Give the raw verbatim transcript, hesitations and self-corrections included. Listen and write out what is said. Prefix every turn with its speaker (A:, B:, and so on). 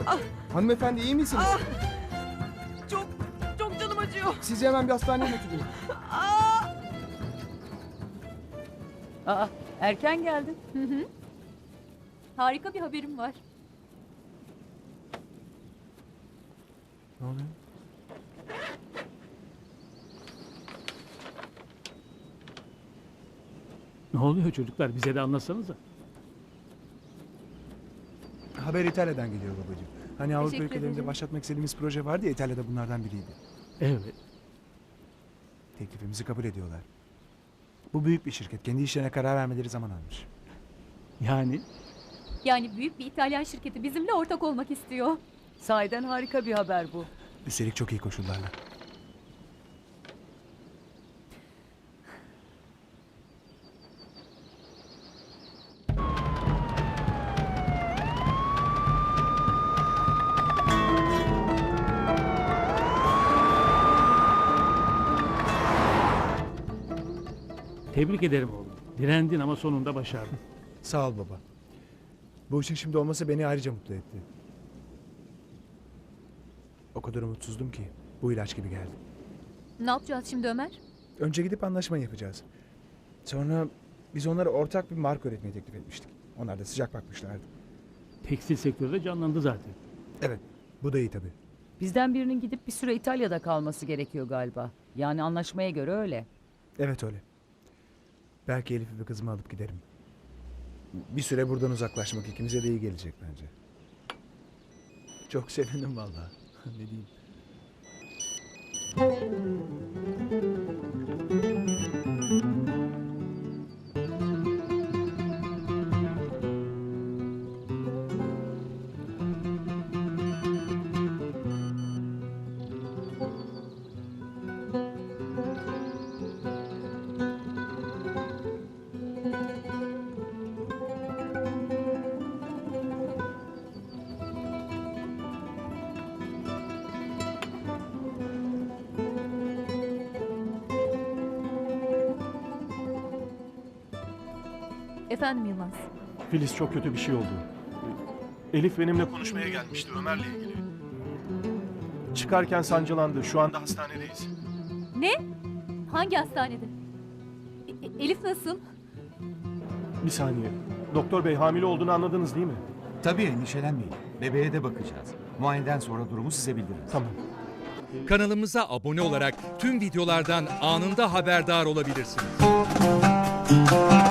A: Ah,
B: Hanımefendi iyi misiniz?
A: ah. Çok, çok canım acıyor.
B: Sizi hemen bir hastaneye götüreyim.
A: Ah.
C: Aa, erken geldin.
D: Hı hı. Harika bir haberim var.
B: Ne oluyor?
E: Ne oluyor çocuklar? Bize de anlatsanıza.
B: Haber İtalya'dan geliyor babacığım. Hani Avrupa
D: Teşekkür
B: ülkelerinde
D: ederim.
B: başlatmak istediğimiz proje vardı ya, İtalya'da bunlardan biriydi.
E: Evet.
B: Teklifimizi kabul ediyorlar. Bu büyük bir şirket. Kendi işlerine karar vermeleri zaman almış.
E: Yani
D: Yani büyük bir İtalyan şirketi bizimle ortak olmak istiyor.
C: Sahiden harika bir haber bu.
B: Üstelik çok iyi koşullarla.
E: tebrik ederim oğlum. Direndin ama sonunda başardın.
B: Sağ ol baba. Bu işin şimdi olması beni ayrıca mutlu etti. O kadar umutsuzdum ki bu ilaç gibi geldi.
D: Ne yapacağız şimdi Ömer?
B: Önce gidip anlaşma yapacağız. Sonra biz onlara ortak bir marka üretmeyi teklif etmiştik. Onlar da sıcak bakmışlardı.
E: Tekstil sektörü de canlandı zaten.
B: Evet, bu da iyi tabii.
C: Bizden birinin gidip bir süre İtalya'da kalması gerekiyor galiba. Yani anlaşmaya göre öyle.
B: Evet öyle. Belki Elif'i ve kızımı alıp giderim. Bir süre buradan uzaklaşmak ikimize de iyi gelecek bence. Çok sevindim vallahi. Ne diyeyim?
D: Efendim Yılmaz.
F: Filiz, çok kötü bir şey oldu. Elif benimle konuşmaya gelmişti Ömer'le ilgili. Çıkarken sancılandı. Şu anda hastanedeyiz.
D: Ne? Hangi hastanede? E- e- Elif nasıl?
F: Bir saniye. Doktor bey, hamile olduğunu anladınız değil mi?
G: Tabii, endişelenmeyin. Bebeğe de bakacağız. Muayeneden sonra durumu size bildiririz.
F: Tamam.
H: Kanalımıza abone olarak tüm videolardan anında haberdar olabilirsiniz.